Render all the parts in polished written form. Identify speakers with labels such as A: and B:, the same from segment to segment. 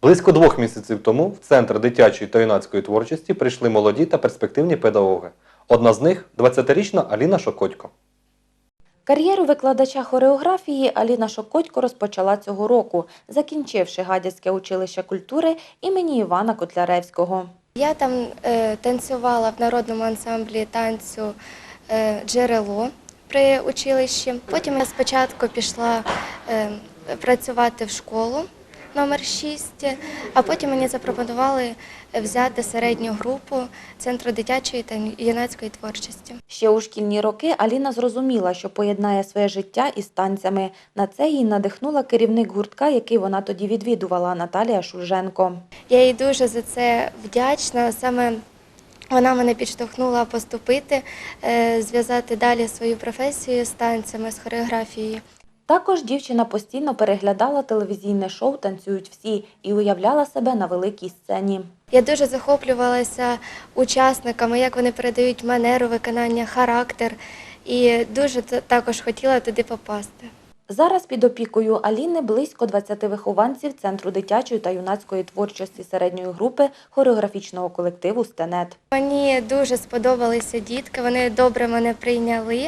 A: Близько 2 місяців тому в Центр дитячої та юнацької творчості прийшли молоді та перспективні педагоги. Одна з них – 20-річна Аліна Шокотько.
B: Кар'єру викладача хореографії Аліна Шокотько розпочала цього року, закінчивши Гадяцьке училище культури імені Івана Котляревського.
C: Я там танцювала в народному ансамблі танцю «Джерело» при училищі. Потім я спочатку пішла працювати в школу номер 6, а потім мені запропонували взяти середню групу Центру дитячої та юнацької творчості.
B: Ще у шкільні роки Аліна зрозуміла, що поєднає своє життя із танцями. На це її надихнула керівник гуртка, який вона тоді відвідувала, Наталія Шульженко.
C: Я їй дуже за це вдячна. Саме вона мене підштовхнула поступити, зв'язати далі свою професію з танцями, з хореографією.
B: Також дівчина постійно переглядала телевізійне шоу «Танцюють всі» і уявляла себе на великій сцені.
C: Я дуже захоплювалася учасниками, як вони передають манеру виконання, характер, і дуже також хотіла туди попасти.
B: Зараз під опікою Аліни близько 20 вихованців Центру дитячої та юнацької творчості середньої групи хореографічного колективу «Стенет».
C: Мені дуже сподобалися дітки, вони добре мене прийняли.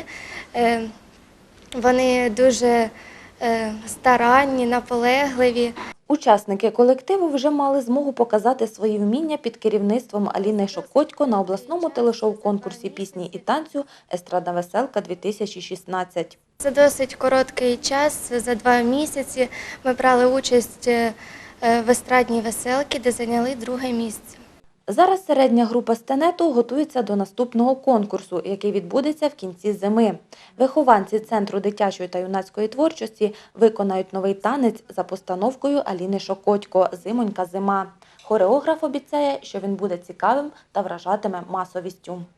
C: Вони дуже старанні, наполегливі.
B: Учасники колективу вже мали змогу показати свої вміння під керівництвом Аліни Шокотько на обласному телешоу-конкурсі пісні і танцю «Естрадна веселка-2016».
C: За досить короткий час, за 2 місяці, ми брали участь в естрадній веселці, де зайняли 2-е місце.
B: Зараз середня група «Стенету» готується до наступного конкурсу, який відбудеться в кінці зими. Вихованці Центру дитячої та юнацької творчості виконають новий танець за постановкою Аліни Шокотько «Зимонька зима». Хореограф обіцяє, що він буде цікавим та вражатиме масовістю.